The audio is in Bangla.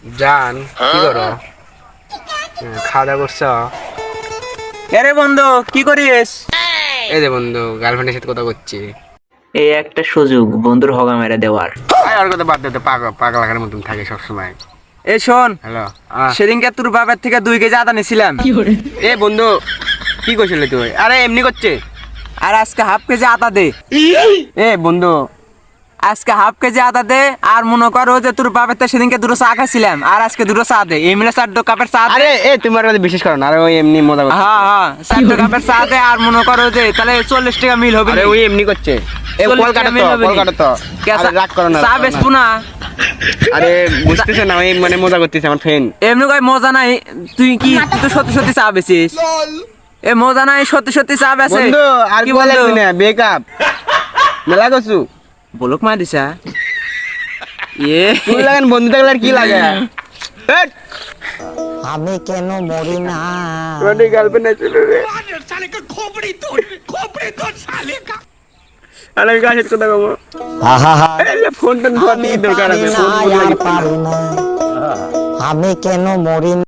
জান কি করো? খাওয়া দাওয়া করছো? আরে বন্ধু কি করিস? এই যে বন্ধু গার্লফ্রেন্ডের সাথে কথা করছি। এই একটা সুযোগ বন্ধুর হগা মেরে দেওয়ার। আর কথা বাদ দিতে পাগলাকার মতন থাকে সবসময়। এ শোন, হ্যালো সেদিনকে তোর বাবার থেকে 2 কেজি আদা নিছিলাম। এ বন্ধু কি করছিলি তুই? আরে এমনি করছে। আর আজকে হাফ কেজি আদা দে। এ বন্ধু আজকে হাফ কেজি আদা দে। আর মনে করো যে তোর বাবার থেকে সেদিনকে 2 চা খাইছিলাম, আর আজকে 2 চা দে। এই মিলে 4 কাপের চা দে। আরে এ তুমি আর বিশেষ করো না। আরে ওই এমনি মজা করছে। হ্যাঁ হ্যাঁ, 4 কাপের চা দে। আর মনে করো যে তাহলে 40 টাকা মিল হবে। আরে ওই এমনি করছে। এ 40 কল কাটো টাকা তো, মিল হবে কল নি? কাটো তো। আরে রাগ করো না। চা বেচবো না। আরে বুঝতেছ না, ওই মানে মজা করতেছে আমার ফ্রেন্ড। এমনি কই মজা নাই। তুই তো সত্যি সত্যি চা বেচিস। এ মজা নাই, সত্যি সত্যি চা বেচে। বন্ধু আর কি কি বলে বন্ধু? না বেকআপ মেলা করছু। বলক মা দিছা। কি লাগেন বন্ধু থাকলে আর কি লাগে? হেট, আমি কেন মরি না? তোমার গার্লফ্রেন্ড আছে রে। আরে আমি কাছে কথা কব। আহা, আরে ফোনটা ধোয়া আমি দরকার পারি আছে। না, ফোন আর পারি না। আমি কেন মরি না?